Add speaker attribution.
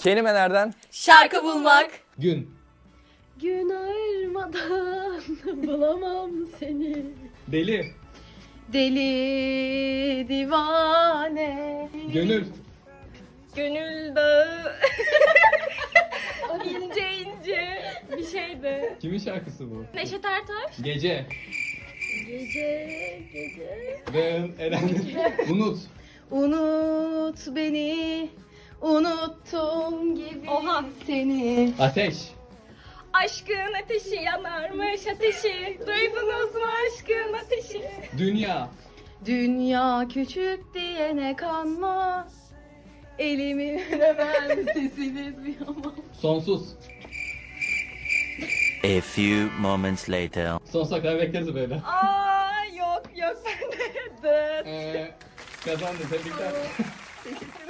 Speaker 1: Kelimelerden
Speaker 2: Şarkı bulmak.
Speaker 3: Gün.
Speaker 2: Gün ayırmadan bulamam seni.
Speaker 3: Deli.
Speaker 2: Deli divane.
Speaker 3: Gönül.
Speaker 2: Gönül dağı. ince ince bir şeydi.
Speaker 3: Kimin şarkısı bu?
Speaker 2: Neşet Ertaş.
Speaker 3: Gece.
Speaker 2: Gece.
Speaker 3: Ve Eren. Unut.
Speaker 2: Unut beni, unuttum gibi seni.
Speaker 3: Ateş.
Speaker 2: Aşkın ateşi yanarmış ateşi. Duydunuz mu aşkın ateşi?
Speaker 3: Dünya.
Speaker 2: Dünya küçük diyene kanma. Elimi veremem sesini duyamam.
Speaker 3: Sonsuz.
Speaker 4: A few moments later.
Speaker 3: Sonsuza kadar bekleriz böyle.
Speaker 2: Aa yok ben de.
Speaker 3: Kazandın, tebrikler.
Speaker 2: Teşekkür